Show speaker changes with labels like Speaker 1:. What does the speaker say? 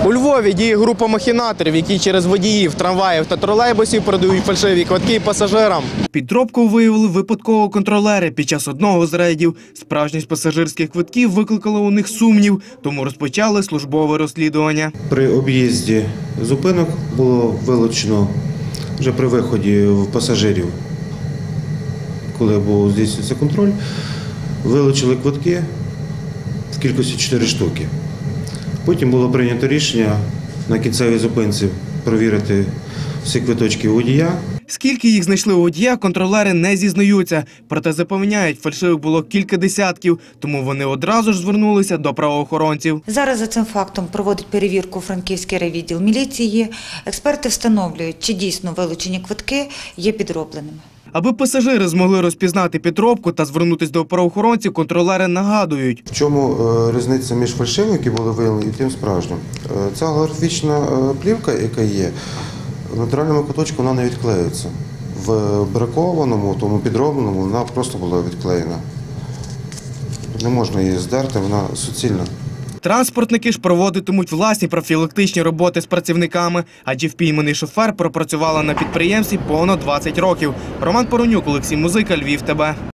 Speaker 1: У Львові діє група махінаторів, які через водіїв, трамваїв та тролейбусів продають фальшиві квитки пасажирам.
Speaker 2: Підробку виявили випадково контролери під час одного з рейдів. Справжність пасажирських квитків викликала у них сумнів, тому розпочали службове розслідування.
Speaker 3: При об'їзді зупинок було вилучено вже при виході пасажирів, коли був здійснювався контроль, вилучили квитки в кількості 4 штуки. Потім було прийнято рішення на кінцевій зупинці перевірити всі квиточки водія.
Speaker 2: Скільки їх знайшли у водія, контролери не зізнаються. Проте запевняють, фальшивих було кілька десятків, тому вони одразу ж звернулися до правоохоронців.
Speaker 4: Зараз за цим фактом проводить перевірку Франківський райвідділ міліції. Експерти встановлюють, чи дійсно вилучені квитки є підробленими.
Speaker 2: Аби пасажири змогли розпізнати підробку та звернутися до правоохоронців, контролери нагадують.
Speaker 3: В чому різниця між фальшивими, які були виявлені, і тим справжнім? Ця голографічна плівка, яка є, в натуральному куточку вона не відклеюється. В бракованому, тому підробленому, вона просто була відклеєна. Не можна її здерти, вона суцільна.
Speaker 2: Транспортники ж проводитимуть власні профілактичні роботи з працівниками, адже впійманий шофер пропрацювала на підприємстві понад 20 років. Роман Поронюк, Олексій Музика, Львів ТБ.